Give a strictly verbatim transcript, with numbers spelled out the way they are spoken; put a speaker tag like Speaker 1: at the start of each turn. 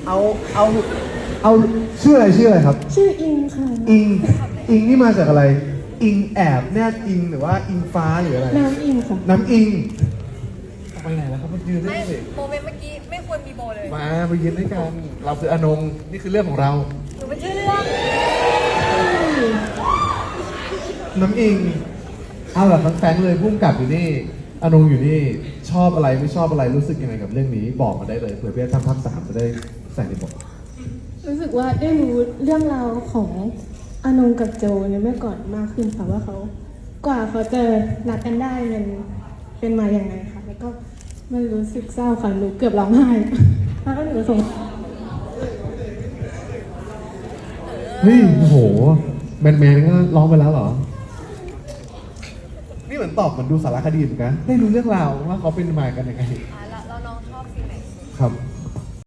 Speaker 1: เอาเอาเอาชื่ออะไรชื่ออะไรครับ
Speaker 2: ชื่ออิงค่ะ
Speaker 1: อิงอิงนี่มาจากอะไรอิงแอบแนบอิงหรือว่าอิงฟ้าหรืออะไร
Speaker 2: น้ำอิงค่ะ
Speaker 1: น้ำอิงไปไหนแล้วครับมายืนได้
Speaker 3: ไม่
Speaker 1: สิ
Speaker 3: โมเมนต์เมื่อกี้ไม่ควรมีโบเลย
Speaker 1: มาไปยืนด้วยกันเราคืออนงนี่คือเรื่องของเรา
Speaker 3: หนูเป็นชื่อเรื่อง
Speaker 1: น้ำอิงเอาแบบแฟงๆเลยพุ่มกับอยู่นี่อนงอยู่นี่ชอบอะไรไม่ชอบอะไรรู้สึกยังไงกับเรื่องนี้บอกมาได้เลยเผื่อเพื่อนทำภาคสามจะได้ใส่ในบท
Speaker 2: รู้สึกว่าได้รู้เรื่องราวของอานงกับโจในเมื่อก่อนมากขึ้นค่ะว่าเขากว่าเขาจะรักกันได้มันเป็นมาอย่างไงค่ะแล้วก็มันรู้สึกเศร้าค่ะหนูเกือบร้องไห้แล้วก็หนูสงสาร
Speaker 1: เฮ้ยโอ้โหแมนแมนก็ร้องไปแล้วเหรอนี่เหมือนตอบเหมือนดูสารคดีเหมือนกันได้รู้เรื่องราวว่าเขาเป็นมากันยังไง
Speaker 3: อ่าแล้วแล้วน้องชอบซีนไหน
Speaker 1: ครับ